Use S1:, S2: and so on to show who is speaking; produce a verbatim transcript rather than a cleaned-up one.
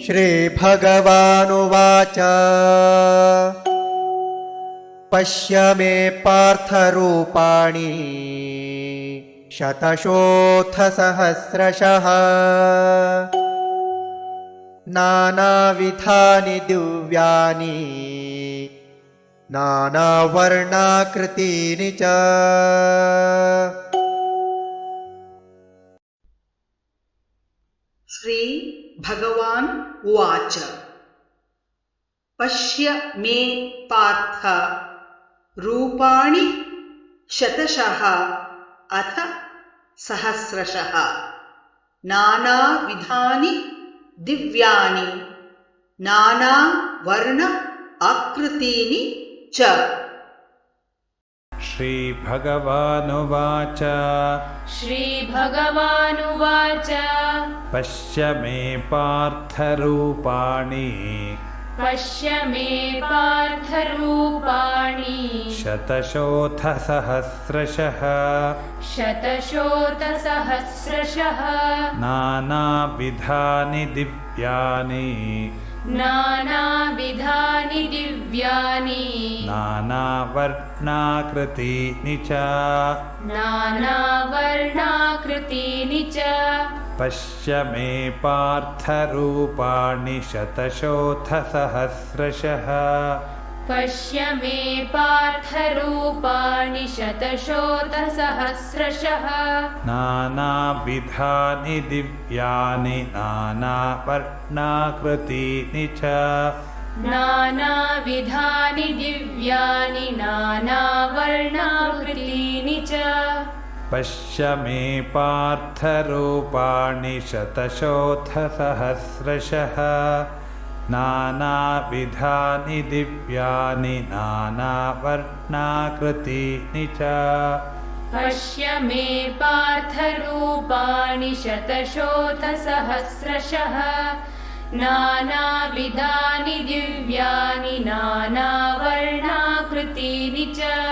S1: श्रीभगवानुवाच पश्य मे पार्थरूपाणि शतशोऽथ सहस्रशः नानाविधानि दिव्यानि नानावर्णाकृतीनि च।
S2: श्री भगवान् उवाच पश्य मे पार्थ रूपाणि शतशः अथ सहस्रशः नानाविधानि दिव्यानि नानावर्ण आकृतीनि च।
S3: श्रीभगवानुवाच
S4: श्रीभगवानुवाच
S3: पश्य मे पार्थरूपाणि
S4: पश्य मे पार्थरूपाणि
S3: शतशोऽथ सहस्रशः
S4: शतशोऽथसहस्रशः
S3: नानाविधानि दिव्यानि
S4: नानाविधानि दिव्यानि
S3: नानावर्णाकृतीनि च।
S4: नानावर्णाकृतीनि च।
S3: पश्य मे पार्थरूपाणि शतशोऽथ सहस्रशः
S4: पश्य मे पार्थरूपाणि शतशोऽथसहस्रशः
S3: नानाविधानि दिव्यानि नानावर्णाकृतीनि च।
S4: नानाविधानि दिव्यानि नानावर्णाकृतीनि च।
S3: पश्य मे पार्थरूपाणि शतशोऽथ सहस्रशः नानाविधानि दिव्यानि नानावर्णाकृतीनि च।
S4: पश्य मे पार्थरूपाणि शतशोऽथसहस्रशः नानाविधानि दिव्यानि नानावर्णाकृतीनि च।